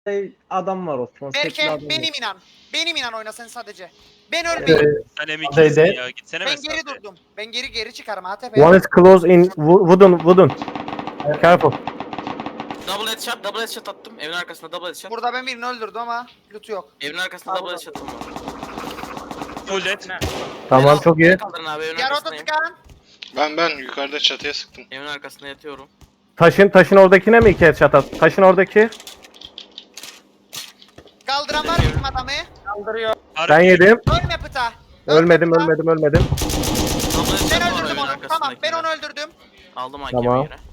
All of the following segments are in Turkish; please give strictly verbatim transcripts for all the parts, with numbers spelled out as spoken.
adam var Osman. Tekli adam Berke var. benim inan. Benim inan oyna sen sadece. Ben ölmeyeyim. Ee, Sen M iki'sin ya. Gitsene Ben mesafeye. geri durdum. Ben geri geri çıkarım A T P. One is close in wo- wooden wooden. Careful. Double headshot, double headshot attım. Evin arkasında double headshot. Burada ben birini öldürdüm ama loot'u yok. Evin arkasında double headshot'ım var. Full dead. Tamam çok iyi. Kaldırın abi evin Yarotu arkasındayım. tıkan. Ben ben yukarıda çatıya sıktım. Evin arkasında yatıyorum. Taşın taşın oradakine mi iki headshot at? Taşın oradaki. Kaldıran var bizim adamı. Kaldırıyor. Ben yedim. Ölme pıta. Ölme Ölmedim pıta. ölmedim ölmedim. Double headshot Ben var öldürdüm evin onu. Tamam ben arkasındakinde. onu öldürdüm. Aldım hakemi Tamam. yere.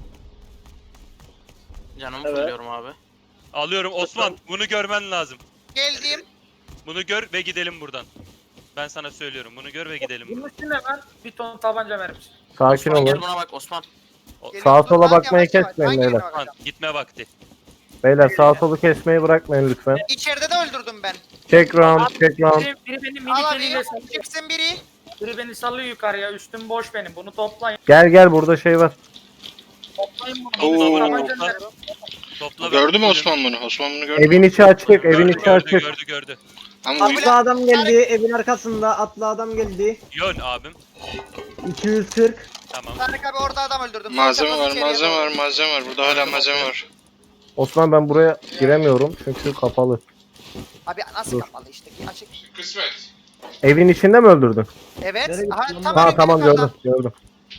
Canımı Evet. fulluyorum abi. Alıyorum Osman. Bunu görmen lazım. Geldim. Bunu gör ve gidelim buradan. Ben sana söylüyorum. Bunu gör ve gidelim Bunun buradan. üstüne ben bir ton tabanca vermiş. Sakin Osman gel olun. buna bak Osman. Geliyorum. Sağa Dur sola lan, bakmayı yavaş yavaş. kesmeyin Hangi beyler. birine Osman bakacağım? gitme vakti. Beyler sağ solu kesmeyi bırakmayın lütfen. İçeride de öldürdüm ben. Check round, check round. Biri, biri benim Al minik eliyle abi. sallıyor. Çıksın biri. Biri beni sallıyor yukarıya. Üstüm boş benim. Bunu toplayın. Gel gel burada şey var. Toplayın bunu. Oo. Tabanca Topla. verin. Topla. Gördü mü ve- Osman bunu? Osman bunu gördü Evin mü? içi açık, evin Gördü, içi gördü, açık. gördü gördü. Ama Abi- Atlı adam geldi. Evin arkasında atlı adam geldi. Yön abim. iki yüz kırk. Tamam. Tarık abi orada adam öldürdüm. malzeme Sonra var, içeriye malzeme doğru. var, malzeme var. Burada hala malzeme var. Tamam ben buraya giremiyorum çünkü kapalı. Abi nasıl Dur. kapalı işte ki açık. Kısmet. Evin içinde mi öldürdün? Evet. Nereye Aha, gittin tam Ha önümde tamam yukarıda. gördüm gördüm.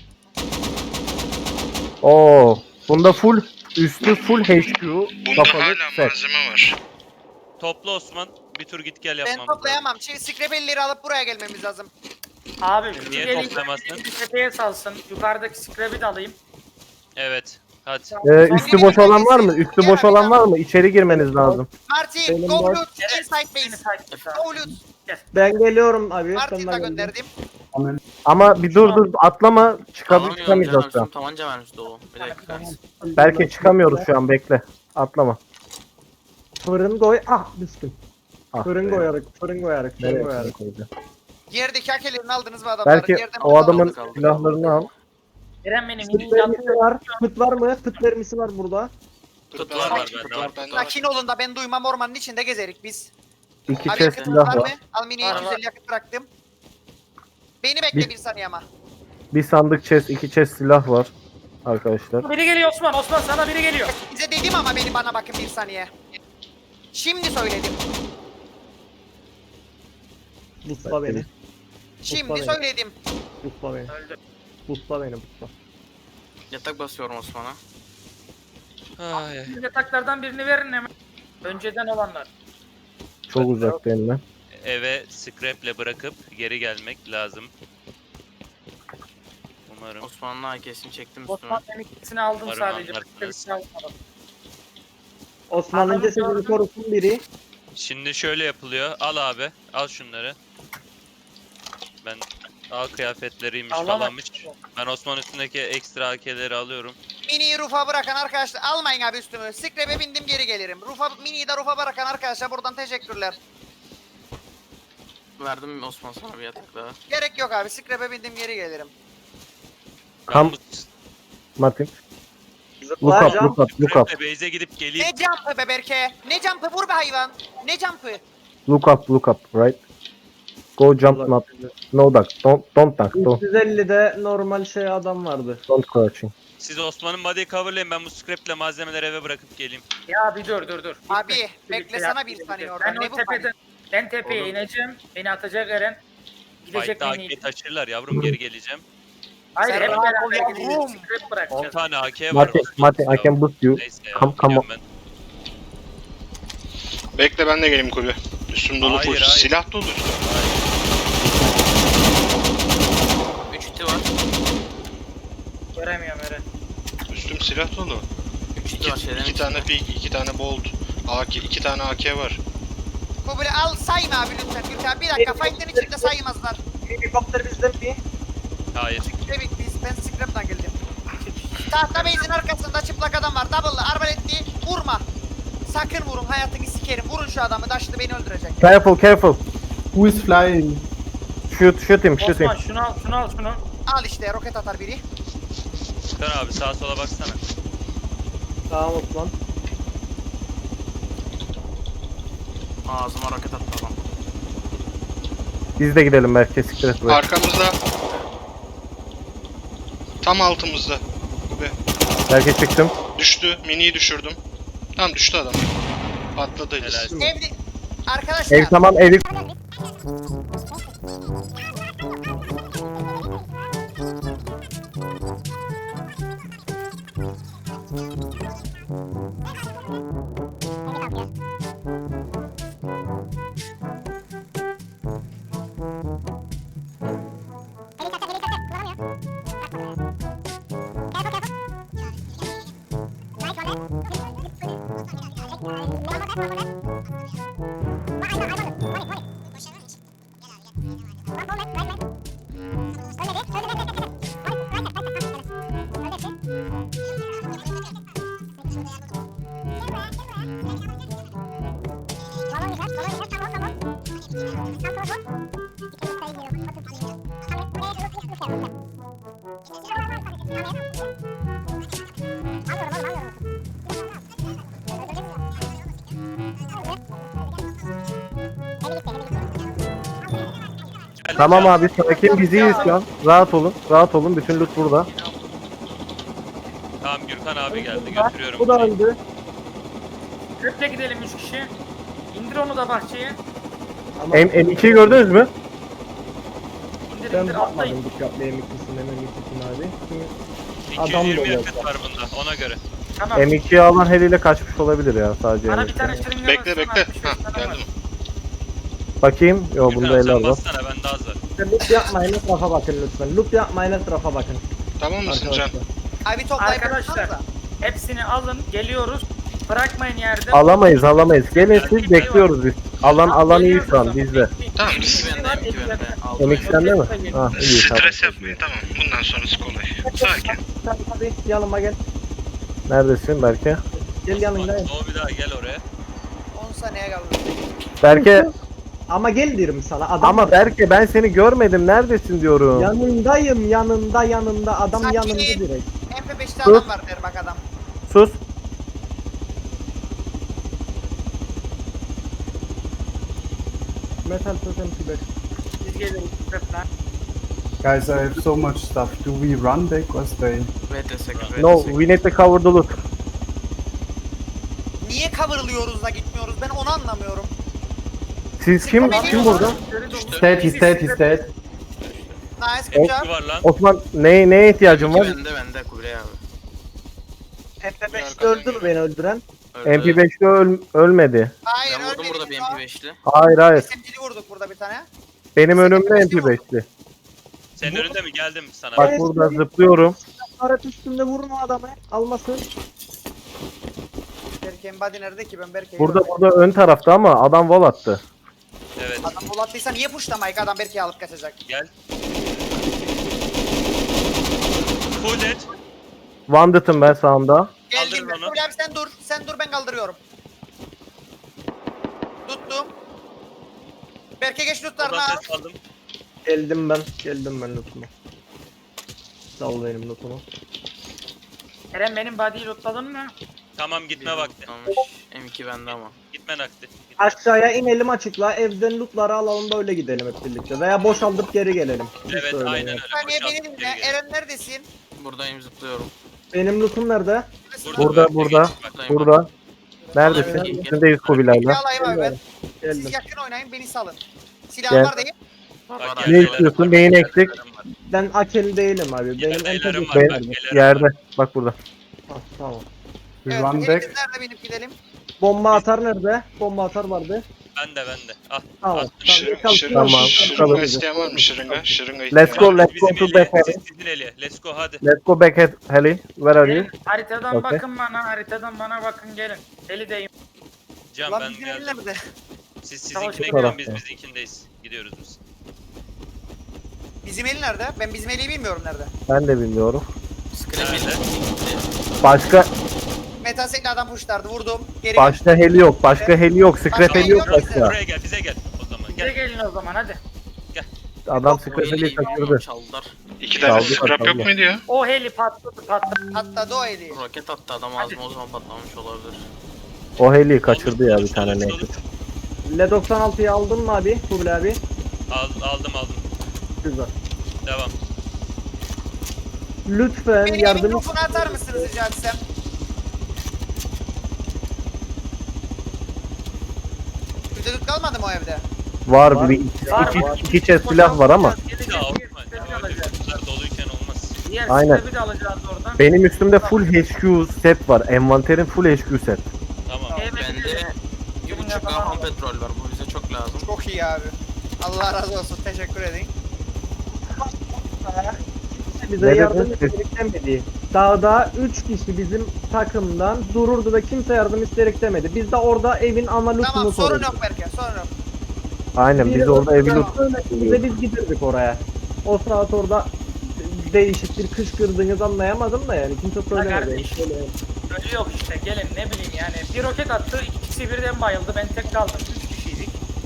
Oo, bunda full üstü full H Q Bunda kapalı hala set. malzeme var. Topla Osman. Bir tur git gel Ben yapmam. toplayamam. Şimdi scrapelleri alıp buraya gelmemiz lazım. Abi şu Niye gelin toplamazsın? bir tepeye salsın. Yukarıdaki scrap'i de alayım. Evet. Hadi. Ee, üstü boş olan var mı? Üstü boş olan var mı? İçeri girmeniz lazım. Marty, Benim go boş. loot inside Beni base. takip et. Go loot. Ben geliyorum abi. Marty'yi de gönderdim. Ama bir dur dur atlama çıkabilir Alamıyorum çıkamayacağız canım. şu Üstüm an. tabanca vermiş dolu. Bir dakika. Belki çıkamıyoruz şu an bekle. Atlama. Fırın koy. Ah düştüm. Ah Fırın be. koyarak, fırın koyarak, fırın Nereye koyarak. koyacağım? Yerdeki hakelerini aldınız mı adamların? Belki Yerden o adamın aldık, aldık. silahlarını al. Eren benim Pıt mini vermisi var. Pıt var mı? Pıt vermisi var burada. Tut Var, var var, tut var, var. var. tut var. Sakin olun da ben duymam ormanın içinde gezerik biz. İki Abi chest yakıtınız var silah mı? var. Al mini Var, iki yüz var. elli yakıt bıraktım. Beni bekle Bir- bir saniye ama. Bir sandık chest, iki chest silah var. Arkadaşlar. Biri geliyor Osman. Osman sana biri geliyor. Size dedim ama beni bana bakın bir saniye. Şimdi söyledim. Busla beni. Şimdi beni. söyledim. Busla beni. Öldü. Busla beni busla. Yatak basıyorum Osman'a. Ay, ay. Yataklardan birini verin hemen. Önceden olanlar. Çok uzak benimle. Eve scrap'le bırakıp geri gelmek lazım. Umarım. Osman'ın A K'sini çektim üstüme. Osman ben ikisini aldım Umarım sadece. anlarsınız. Bir şey almadım. Osman'ın Adamı cesedini gördüm. korusun biri. Şimdi şöyle yapılıyor. Al abi. Al şunları. Ben A kıyafetleriymiş Alamam. falanmış. Ben Osman üstündeki ekstra A K'leri alıyorum. Mini'yi rufa bırakan arkadaşlar almayın abi üstümü. Scrap'e bindim geri gelirim. Rufa, Mini'yi de rufa bırakan arkadaşlar buradan teşekkürler. Verdim Osman sana bir yatak daha. Gerek yok abi Scrap'e bindim geri gelirim. Ben Kam- bu Martin. Look up, Zıplayacağım. look up, look up. scrap'le base'e gidip geleyim. Ne jump'ı be Berke? Ne jump'ı vur be hayvan? Ne jump'ı? Look up, look up, right? Go jump not. No duck. Don't, don't duck. Don't, üç yüz ellide normal şey adam vardı. don't crouching. Siz Osman'ın body'yi coverlayın. Ben bu scrap'le malzemeleri eve bırakıp geleyim. Ya bir dur dur dur. Abi, Gitme. beklesene Birlikte bir yap, saniye birlikte. oradan. Ben Ne o bu tepeden, ben tepeye Oğlum. ineceğim. Beni atacak Eren. Gidecek Fight'ta beni. A K taşırlar yavrum, geri geleceğim. Hayır Sen hep rahat ol beraber yavrum. gideceğiz. Scrap on bırakacağız. tane A K var. Martin, Osman. Martin, I can boost you. Neyse ya. Come, come on. gidiyorum ben. Bekle ben de geleyim kulübe. Üstüm dolu Hayır, full. hayır. Silah dolu üstüm. üç iti var. Göremiyorum Eren. Üstüm silah dolu. üç iti İki, var şeylerin iki içinde. tane pik, iki tane bolt. A K, iki tane A K var. Kubule al sayma abi lütfen. Lütfen bir dakika fight'ın içinde saymazlar. Helikopter bizde mi? Hayır. Demek biz ben Scrap'tan geldim. Tahta base'in arkasında çıplak adam var. Double'lı arbaletli vurma. Sakın vurun hayatını sikerim. Vurun şu adamı taşlı beni öldürecek. Careful, careful. Who is flying? Shoot, shoot him, shoot him. Osman şunu al şunu al şunu. Al işte roket atar biri. Furkan abi sağa sola baksana. Tamam Osman. Ağzıma roket attı adam. Biz de gidelim belki siktir et buraya. Arkamızda. Tam altımızda. Kube. Belki çıktım. Düştü. Mini'yi düşürdüm. Tam düştü adam. Patladı. Helal. Evde arkadaşlar. Ev tamam evi. Tamam abi sakin biz iyiyiz şu an. Rahat olun. Rahat olun. Bütün loot burada. Tamam Gürkan abi geldi götürüyorum. Bu da öldü. Köple gidelim üç kişi. İndir onu da bahçeye. Ama M M2'yi gördünüz mü? İndir ben indir atlayın. bakmadım dikkatli M ikisine M ikisine abi. iki Adam yüz da yirmi yok. yakıt var bunda ona göre. Tamam. M ikiyi alan heliyle kaçmış olabilir ya sadece. Bana M bir iki. tane şırınga Bekle bassana, bekle. altmış beş Hah tane var. geldim. Bakayım. Yo bunda Gürkan eller sen var. bassana bende az var. Loop yapmayın etrafa bakın lütfen. Loop yapmayın etrafa bakın. Tamam mısın Can? Arkadaşlar. Abi toplayıp Arkadaşlar. yapsanıza. Hepsini alın. Geliyoruz. Bırakmayın yerde. Alamayız alamayız. Gelin siz bekliyoruz biz. Alan alan iyi şu an bizde. Tamam. M iki bende, M iki bende. M Aldım. iki sende mi? Ha iyi tamam. Stres yapmayın tamam. Bundan sonrası kolay. Sakin. Sen hadi yanıma gel. Neredesin Berke? Gel yanımda. Doğu bir daha gel oraya. on saniye kaldı. Berke Ama gel diyorum sana adam. ama Berke ben seni görmedim. Neredesin diyorum. Yanındayım yanında yanında adam Sakin. yanında direkt. M P beşte Dur. adam var der bak adam. Sus. Metal totem kiber. Biz gelin. Köple. Guys, I have so much stuff. Do we run back or stay? Wait a second, wait No a second. we need to cover the loot. Niye coverlıyoruz da gitmiyoruz ben onu anlamıyorum. Siz kim? Kim burada? He's dead, he's dead, he's dead. Nice good job. Kim var lan? Osman neye neye ihtiyacın M iki var? bende bende Kubilay abi. M P beşte öldü mü beni öldüren? Öldü. M P beşte öl ölmedi. Hayır Ben vurdum ölmedi burada bir biz M o. P beşli. Hayır hayır. S M G'li vurduk burada bir tane. Benim önümde M P beşli. Senin önünde mi geldim sana? Bak burada zıplıyorum. Aret üstünde vurma adamı. Almasın. Berke'nin body nerede ki ben Berke'yi Burada görmedim. burada ön tarafta ama adam wall attı. Evet Adam bol attıysa niye pushlamayık adam Berke'yi alıp kaçacak. gel. Full dead. Wandered'ım ben sağımda. Geldim Kaldırın ben. onu. Kubilay abi sen dur. Sen dur ben kaldırıyorum. Tuttum. Berke geç lootlarını Oradan al. ses aldım. Geldim ben. Geldim ben lootuma. Sal benim lootumu. Eren benim body'yi lootladın mı? Tamam gitme vakti. Tutmamış. M iki bende ama. Gitme nakti. Aşağıya inelim açıkla. Evden lootları alalım da öyle gidelim hep birlikte. Veya boşaltıp geri gelelim. Siz Evet söyleyin aynen ya. öyle. Bir saniye Boşalt, beni geri dinle. gel. Eren neredesin? Buradayım zıplıyorum. Benim lootum nerede? Burada, Berke, burada. geç bak. Buradayım. Burada. Neredesin? Alabilir miyim? Üstündeyiz Bir Kubilay'la. alayım abi ben. Siz Geldim. yakın oynayın beni salın. Silahım Gel. var değil. Bak, Bana- gel, Ne beyler, istiyorsun? bak, Neyin beyler, eksik? beylerim var. Ben akeli değilim abi. Gel, Benim beylerim M P var, beş bak, Ben beylerim yerde. var. Bak burada. Ah, tamam. We Evet, run elimiz back. nerede binip gidelim? Bomba atar nerede? Bomba atar vardı. Ben de ben de. Ah. Tamam. Attım. Şırınga, Tamam. şırınga, Tamam, şırınga tamam. isteyen var mı? Şırınga, şırınga Let's isteyen go, var mı? let's go Bizim to Eli'ye, back. siz sizin Eli'ye. Let's go hadi. Let's go back at Heli. Where are you? Gelin, haritadan Okay. bakın bana, haritadan bana bakın gelin. Eli'deyim. Can Lan ben bizim geldim. nerede? Siz Tamam, sizinkine şu gelin tarafta. biz bizinkindeyiz. Gidiyoruz biz. Bizim eli nerede? Ben bizim eliyi bilmiyorum nerede. Ben de bilmiyorum. Scrap Nerede? Başka Metasekli adam pushlardı vurdum. Geri başka heli yok. Başka heli yok. Scrap Başka heli yok heli yok başka. Buraya gel bize gel o zaman Bize gel. gelin o zaman hadi. Adam O scrap heliyi heliyi kaçırdı. çaldılar. İki tane Kaldı, scrap kaldı. yok muydu ya? O heli patladı patladı. atladı o eli. Roket attı adam ağzıma o zaman patlamış olabilir. O heliyi kaçırdı ya bir tane Sonuç, ne. sonuç. L doksan altıyı aldın mı abi? Kubil abi. Al, aldım aldım. Güzel. Devam. Lütfen Beni yardım mikrofonu atar mısınız rica etsem? Vücuduk kalmadı mı o evde? Var, Var. bir iki, Var, iki, var. iki chest silah var ama Gelecek, Ya diğer Osman step'i ya öyle alacağız. kutular doluyken olmaz. Diğer Aynen. step'i de alacağız oradan. benim üstümde full H Q set var. Envanterin full H Q set. Tamam. Evet, Bende bir buçuk aham petrol var. Bu bize çok lazım. Çok iyi abi. Allah razı olsun. Teşekkür edin. bize Ne yardım dedin? istedik demedi. Dağda üç kişi bizim takımdan dururdu ve kimse yardım istedik demedi. Biz de orada evin ana lootunu Tamam sorun sorduk. yok Berke sorun yok. Aynen biz orada evi loot. Ve biz giderdik oraya. O saat orada değişik bir kışkırdığınızı anlayamadım da yani kimse söylemedi. kardeş. Ölü yok işte gelin ne bileyim yani. Bir roket attı ikisi birden bayıldı ben tek kaldım. Üç kişiydik.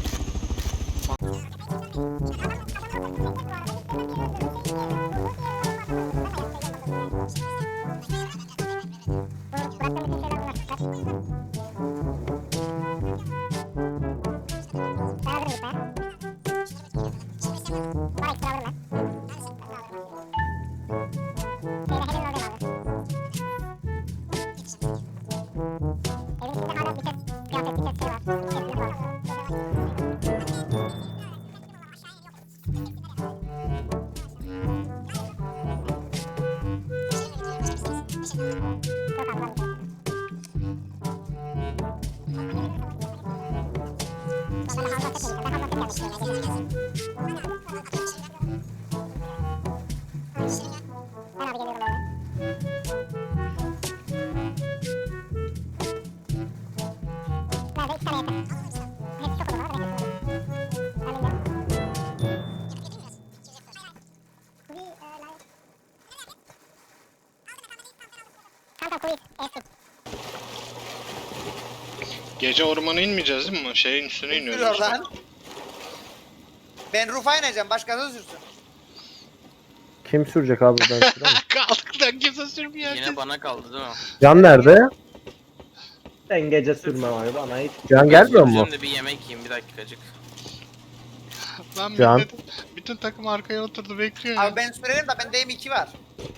Gece ormana inmeyeceğiz değil mi? Şeyin üstüne Yürü iniyoruz. oradan. Ben Rufa ineceğim. Başkası sürsün. Kim sürecek abi ben süremem. Kaldık lan kimse sürmüyor. Yine bana kaldı değil mi? Can nerede? Ben gece sürmem abi bana hiç. Can gelmiyor mu? Şimdi bir yemek yiyeyim bir dakikacık. Lan Can. millet, bütün takım arkaya oturdu bekliyor ya. Abi ben sürerim de bende M iki var.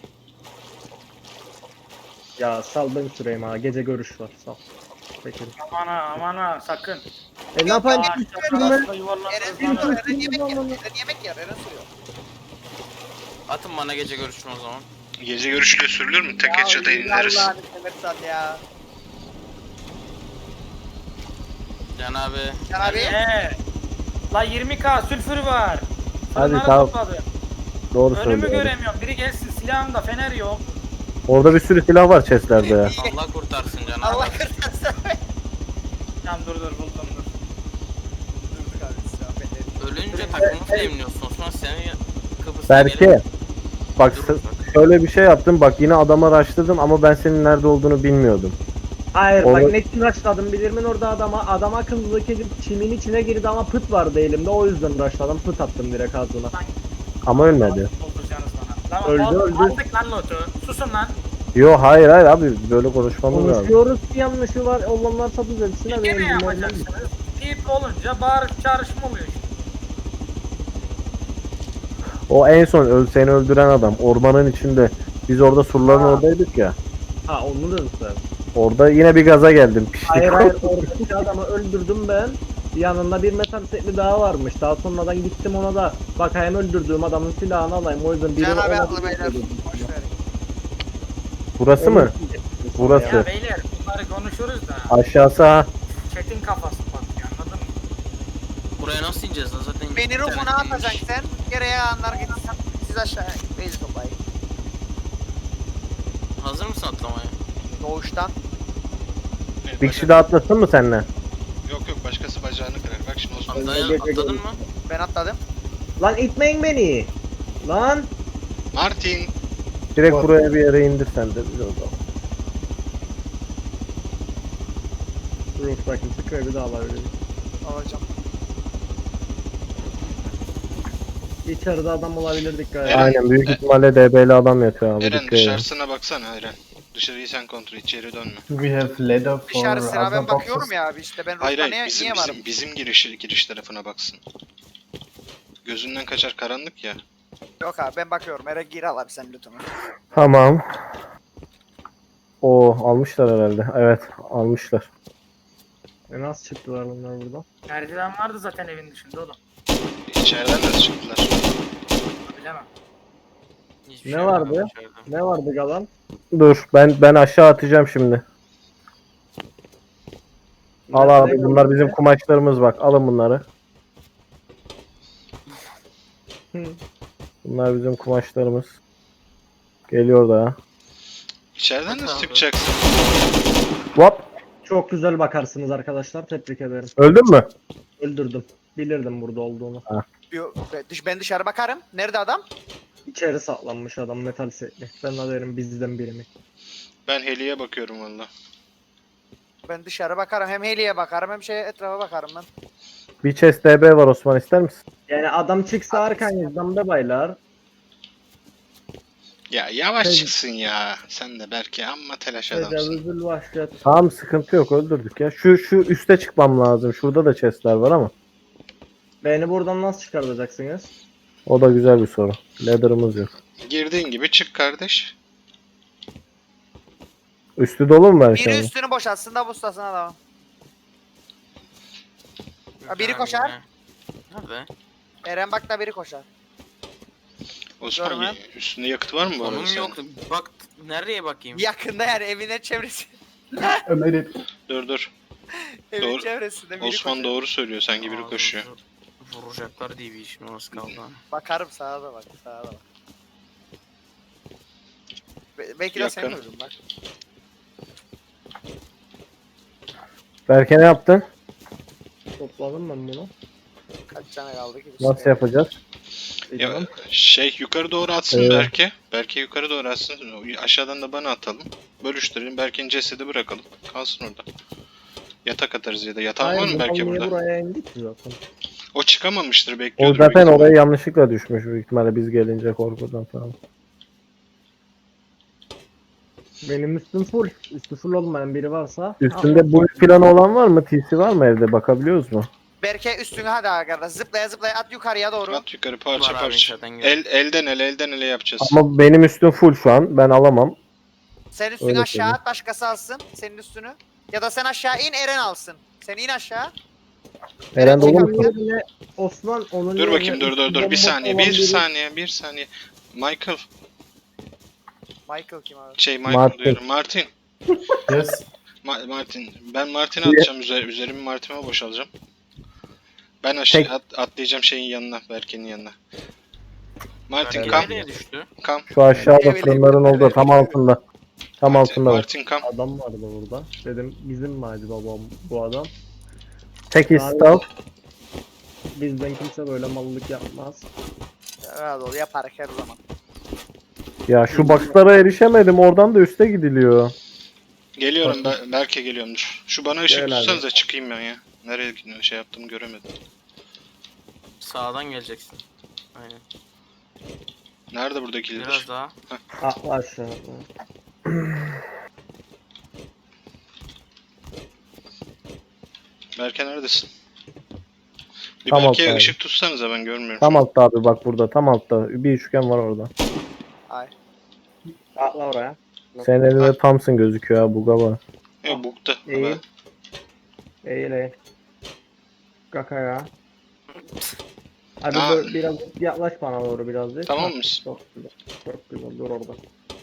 Ya sal ben süreyim ha gece görüş var sal. Peki. Aman ha aman ha sakın. E ne yapayım? Aa, Hiç işte sürme. tarafta yuvarlanırız Eren lan. sürüyor. Eren yemek yer. Eren yemek yer. Eren sürüyor. Atın bana gece görüşün o zaman. Gece görüşüyle sürülür mü? Tek headshot'a ineriz. Allah'ını seversen ya. Can abi. Can abi. Ee, la yirmi k sülfür var. Hadi, Fırınları tamam. topladı. Doğru Önümü söylüyor. göremiyorum. Biri gelsin silahımda fener yok. Orada bir sürü silah var chestlerde ya. Allah kurtarsın Can abi. Allah kırtarsın. Tamam dur dur buldum dur. Durduk abi. Silah beni. Ölünce takımı flameliyorsun. Osman seni Kıbrıs'a Berke. gelin. Bak Dur s- bak. şöyle bir şey yaptım. Bak yine adama araştırdım ama ben senin nerede olduğunu bilmiyordum. Hayır Olur. bak ne için açladım bilirim orada adama. Adam akıllıdaki çimin içine girdi ama pıt vardı elimde o yüzden açladım. Pıt attım direkt ağzına. Ama ölmedi. Dolduracaksınız bana. Lan Öldü, al- öldü. Aldık lan lotu. Susun lan. Yo hayır hayır abi böyle konuşmamız lazım. Konuşuyoruz ki yanlışı var olanlar tadı düzeltsin. Bir Hadi kere benim yapacaksınız. Deyip olunca bağırıp çağrışma oluyor işte. O en son öl seni öldüren adam ormanın içinde. Biz orada surların Aa. oradaydık ya. Ha onu dedim sen. Orada yine bir gaza geldim. Piştik. Hayır hayır oradaki adamı öldürdüm ben. Yanında bir metal setli daha varmış. Daha sonradan gittim ona da bakayım öldürdüğüm adamın silahını alayım. O yüzden biri Can abi ona aklı beyler. Boş ver. Burası mı? Burası. Ya beyler bunları konuşuruz da. Aşağısı ha. Çetin kafası patlıyor anladın mı? Buraya nasıl ineceğiz lan zaten? Beni internet Rufun'a inmiş. atacaksın sen. Geriye anlar gitsin. Siz aşağıya. Beyzi toplayın. Hazır mısın atlamaya? Doğuştan. Evet, Bir kişi daha atlasın mı seninle? Yok yok başkası bacağını kırar. Bak şimdi Osman. Atlayan, gece atladın görüş. mı? Ben atladım. Lan itmeyin beni. Lan. Martin. Direkt Bak. buraya bir yere indir sen de biz o zaman. Rooftaki sıkı bir daha alabilirim. Alacağım. İçeride adam olabilir dikkat et. Eren. Aynen büyük E- ihtimalle D B'li adam yatıyor abi. Eren dikkat edin. dışarısına baksana Eren. Dışarıyı sen kontrol, içeri dönme. Do we have ladder for Dışarısına other ben bakıyorum boxes? ya abi işte ben Hayır Rus'ta hayır niye, bizim, niye varım? bizim, bizim giriş, giriş tarafına baksın. Gözünden kaçar karanlık ya. Yok abi ben bakıyorum. Ere gir al abi sen loot'unu. Tamam. O almışlar herhalde. Evet almışlar. E nasıl çıktılar bunlar buradan? Merdiven vardı zaten evin dışında oğlum. İçeriden nasıl çıktılar? Bilemem. Hiçbir Ne şey vardı? yapmadım içeride. Ne vardı Galan? Dur ben ben aşağı atacağım şimdi. Al Ne- abi ne bunlar gördün? bizim kumaşlarımız bak. Alın bunları. Hı. Bunlar bizim kumaşlarımız. Geliyor da. İçeriden nasıl Abi. çıkacaksın? Hop. Çok güzel bakarsınız arkadaşlar. Tebrik ederim. Öldün mü? Öldürdüm. Bilirdim burada olduğunu. Yo, ben dış- Ben dışarı bakarım. Nerede adam? İçeri saklanmış adam metal setli. Ben haberim bizden biri mi? Ben Heli'ye bakıyorum valla. Ben dışarı bakarım. Hem Heli'ye bakarım hem şey etrafa bakarım ben. Bir chest D B var Osman ister misin? Yani adam çıksa arkanızdan be baylar. Ya yavaş Şey- çıksın ya. Sen de belki amma telaş adamsın. Tecavüzül vahşet. Tamam sıkıntı yok öldürdük ya. Şu şu üste çıkmam lazım. Şurada da chestler var ama. Beni buradan nasıl çıkartacaksınız? O da güzel bir soru. Ladder'ımız yok. Girdiğin gibi çık kardeş. Üstü dolu mu ben Biri şimdi? üstünü boşaltsın da bustasın adamı. Ha, biri Ha, koşar. Nerede? Eren bak da biri koşar. Osman Görmem. üstünde yakıt var mı bu arada Onun senin? yok. Bak nereye bakayım? Yakında yani evinin çevresi. I made it. Dur dur. Evin Doğru. çevresinde biri Osman koşar. doğru söylüyor. Sanki biri Ağzımızı koşuyor. Vuracaklar diye bir işim az kaldı. Bakarım sağa da bak sağa da bak. Be- belki de sen Yakın. vurursun bak. Berke ne yaptın? Topladım ben bunu. Kaç tane kaldı ki? Nasıl yapacağız? Ya, Bilmem. şey yukarı doğru atsın Evet. Berke. Berke yukarı doğru atsın. Aşağıdan da bana atalım. Bölüştürelim. Berke'nin cesedi bırakalım. Kalsın orada. Yatak atarız ya da. Yatağın var Hayır, mı bu Berke niye burada? buraya indik ki zaten? O çıkamamıştır O bekliyordur. zaten büyük ihtimalle. oraya yanlışlıkla düşmüş büyük ihtimalle biz gelince korkudan falan. Benim üstüm full. Üstü full olmayan biri varsa. Üstünde bu planı olan var mı? T C var mı evde? Bakabiliyoruz mu? Berke üstüne hadi arkadaş. Zıplaya zıplaya at yukarıya doğru. At yukarı parça Var abi, parça. zaten El, elden ele elden ele yapacağız. Ama benim üstüm full şu an. Ben alamam. Sen üstünü Öyle aşağı söyleyeyim. at başkası alsın senin üstünü. Ya da sen aşağı in Eren alsın. Sen in aşağı. Eren dolu çıkar- musun? Yerine Osman onun Dur yerine bakayım dur dur üstü dur. Bir bomboş saniye olan bir biri- saniye bir saniye. Michael. Michael kim abi? Şey Michael Martin. diyorum. Martin. Yes. Ma- Martin. Ben Martin'e atacağım. Üzer üzerimi Martin'e boşalacağım. Ben aşağı Tek- at, atlayacağım şeyin yanına. Berke'nin yanına. Martin Berke kam. nereye düştü? Kam. Şu aşağıda Evet, fırınların evet, olduğu evet. tam altında. Tam Martin, altında var. Martin kam. Adam vardı burada. Dedim bizim mi acaba bu, bu adam? Tek istav. Bizden kimse böyle mallık yapmaz. Rahat ol yaparız her zaman. Ya şu boxlara erişemedim. Oradan da üste gidiliyor. Geliyorum Ber- Berke geliyorum dur. Şu bana ışık Gel abi. tutsanıza çıkayım ben ya. Nereye gidiyor şey yaptım göremedim. Sağdan geleceksin. Aynen. Nerede buradaki lider? Biraz daha. Atla aşağı. Berke neredesin? Bir Tam Berke'ye altta ışık tutsanıza ben görmüyorum. Tam altta abi bak burada. Tam altta. Bir üçgen var orada. Ay. Atla oraya. Senin elinde Thompson gözüküyor ha. Buga var. Yok bukta. İyi. Eğil eğil. Kakaya. Hadi Aa. böyle biraz yaklaş bana doğru birazcık. Tamam Ha, mısın? Çok güzel. Çok güzel dur orada.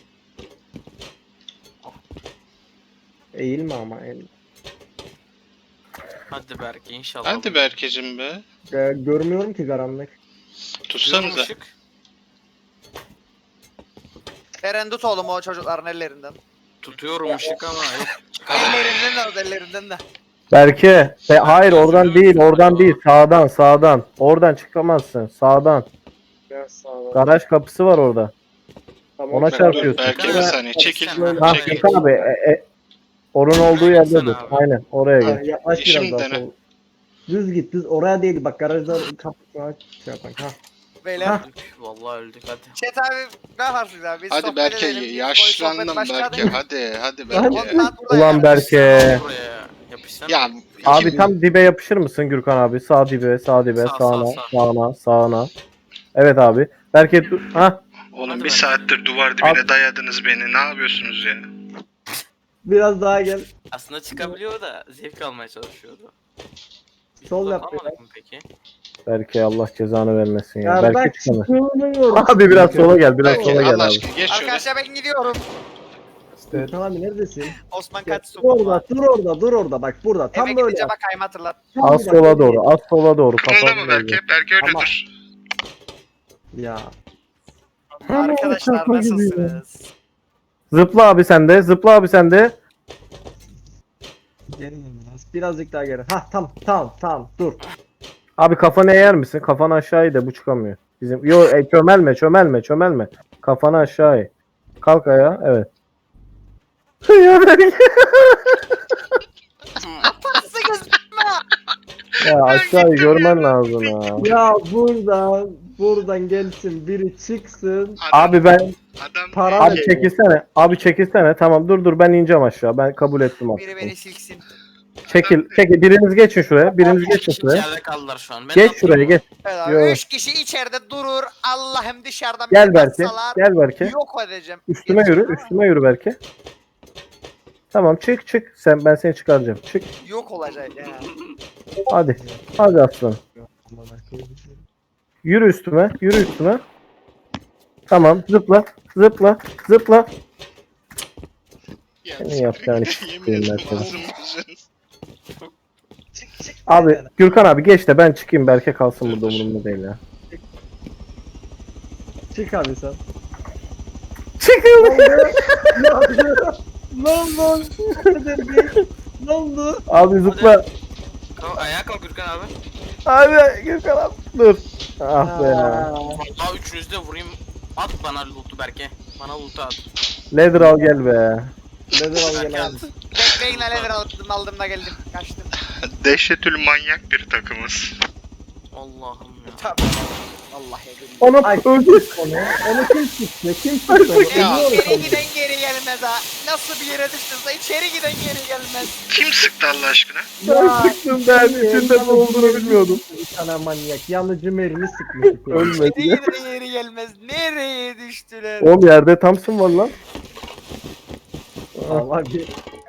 Ah. Eğilme ama eğil. Hadi Berke inşallah. Hadi Berke'cim be. Ee, görmüyorum ki karanlık. Tutuyorum Tutsanıza. ışık. Eren tut oğlum o çocukların ellerinden. Tutuyorum ışık ama yok. Ellerinden de al ellerinden de. Berke. Be- hayır oradan değil. Oradan değil. Sağdan sağdan. Oradan çıkamazsın. Sağdan. Biraz sağa. Garaj kapısı var orada. Tamam. Ona Bak, dur, çarpıyorsun. Berke bir saniye çekil. Sen- Ha Çekil. Şaka abi. E, e, onun olduğu yerde Sen dur. abi. Aynen oraya Ha, gel. yaklaş biraz Şimdi daha dene. sol. Düz git düz oraya değil bak garajda kapısına şey yapan ha. Beyler. Hah. Öldük. Vallahi öldük hadi. Chat abi ne yaparsınız abi? Biz Hadi sohbet Berke edelim. Biz bu yaşlandım sohbet başladı. Berke. Hadi hadi Hadi. Berke. Ondan burada Ulan yani. Berke. Buraya yapışsana. Ya Abi kim- tam dibe yapışır mısın Gürkan abi? Sağ dibe, sağ dibe, Sağ, sağına, sağ, sağ. sağına, sağına. Evet abi. Berke dur. Ha. Oğlum Hadi bir Berke. saattir duvar dibine dayadınız beni. Ne yapıyorsunuz ya? Biraz daha gel. Aslında çıkabiliyor da zevk almaya çalışıyordu. Hiç Sol uzak yap almadık mı peki? Berke Allah cezanı vermesin ya. Ya Berke bak çıkamaz. sığınıyorum. Abi biraz sola gel, biraz Berke sola gel Allah abi. aşkına geç şöyle. Arkadaşlar ben gidiyorum. Gürkan abi neredesin? Osman Ya, kaç dur sokuma. orada, dur orada, dur orada. Bak burada. Tam Eve böyle. gidince yap. bak kayma hatırlat. Tam Az bak, sola böyle. doğru, az sola doğru. Kımılda Kafanı mı Berke? Berke öyle Ama- dur. Ya. Arkadaşlar şaka gibi nasılsınız? Zıpla abi sen de, zıpla abi sen de. Geri biraz. Birazcık daha geri. Hah tamam, tamam, tamam. Dur. Abi kafanı eğer misin? Kafanı aşağı eğ de bu çıkamıyor. Bizim yo e, çömelme, çömelme, çömelme. Kafanı aşağı eğ. Kalk ayağa, evet. ya Berke. Nasılsınız? Ya aşağıyı görmen lazım ya. Ya buradan, buradan gelsin biri çıksın. Abi ben Adam Para abi ver. çekilsene. Abi çekilsene. Tamam dur dur ben ineceğim aşağı. Ben kabul ettim Biri artık. beni silksin. Çekil, çekil. Biriniz geçin şuraya. Biriniz geçin Kişi şuraya. içeride kaldılar şu an. Ben Geç ne şuraya yapayım? geç. Evet abi. Yo. Üç kişi içeride durur. Allah'ım dışarıdan Gel bir Berke. atsalar, Gel Berke. Yok edeceğim. Üstüme Geçeceğim yürü. ama Üstüme yürü Berke. Tamam çık çık. Sen ben seni çıkaracağım. Çık. Yok olacak ya. Hadi. Hadi aslanım. Yürü üstüme. Yürü üstüme. Tamam. Zıpla. Zıpla. Zıpla. Ya, Ne yapacağını yemin s**eyim ederim ben seni. ağzım yüzüm. Abi Gürkan abi geç de ben çıkayım. Berke kalsın burada umurumda değil ya. Çık abi sen. Çıkın. Ne oldu? Ne oldu? Ne oldu? Abi zıpla. Kalk, ayağa kalk Gürkan abi. Abi Gürkan abi. Dur. Ah be ya. Aa, Vallahi üçünüzü de vurayım. At bana loot'u Berke. Bana loot'u at. Leather al gel be. Nedir al Berke gel at. abi. Bekleyin lan lever aldım, aldım da geldim. Kaçtım. Dehşetül manyak bir takımız. Allah'ım ya. Tabii. Allah yedim. Ona Ay. öldü. Onu, onu kim çıktı? Kim çıktı? onu? Ya. Biliyor İçeri musun? giden geri gelmez ha. Nasıl bir yere düştünse içeri giden geri gelmez. Kim sıktı Allah aşkına? Ben sıktım ben. İçinde ne olduğunu bilmiyordum. Bir tane manyak. Yanıcı mermi sıkmış. içeri. Ölmedi. İçeri giden geri gelmez. Nereye düştüler? Oğlum yerde Thompson var lan. Allah bir.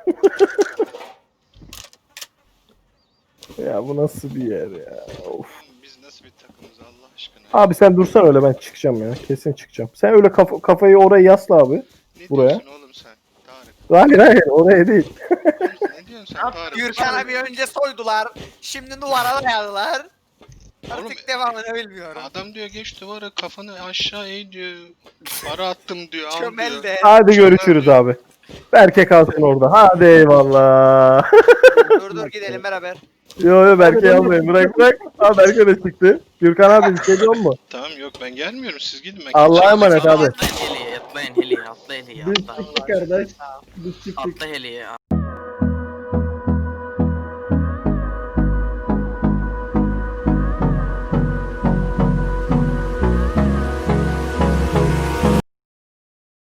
Ya bu nasıl bir yer ya? Of. Biz nasıl bir takımız Allah aşkına? Abi sen dursan öyle ben çıkacağım ya. Kesin çıkacağım. Sen öyle kafa, kafayı oraya yasla abi. Ne buraya. diyorsun oğlum sen? Tarık. Hayır hayır oraya değil. Ne diyorsun sen Tarık? Gürkan abi önce soydular. Şimdi duvara dayadılar. Oğlum, Artık devamını bilmiyorum. Adam diyor geç duvara kafanı aşağı eğ diyor. Para attım diyor al Çömel diyor. de. Hadi görüşürüz abi. Berke kalsın orada. Hadi eyvallah. Dur dur gidelim beraber. yo yo Berke almayın bırak bırak. Ha Berke de çıktı. Gürkan abi bir şey diyor mu? Tamam yok ben gelmiyorum siz gidin ben Allah'a gideceğim. emanet abi. Atlayın heliye, atlayın heliye, atla heliye, Biz atla. çıktık kardeş. Biz çıktık. Atla heliye.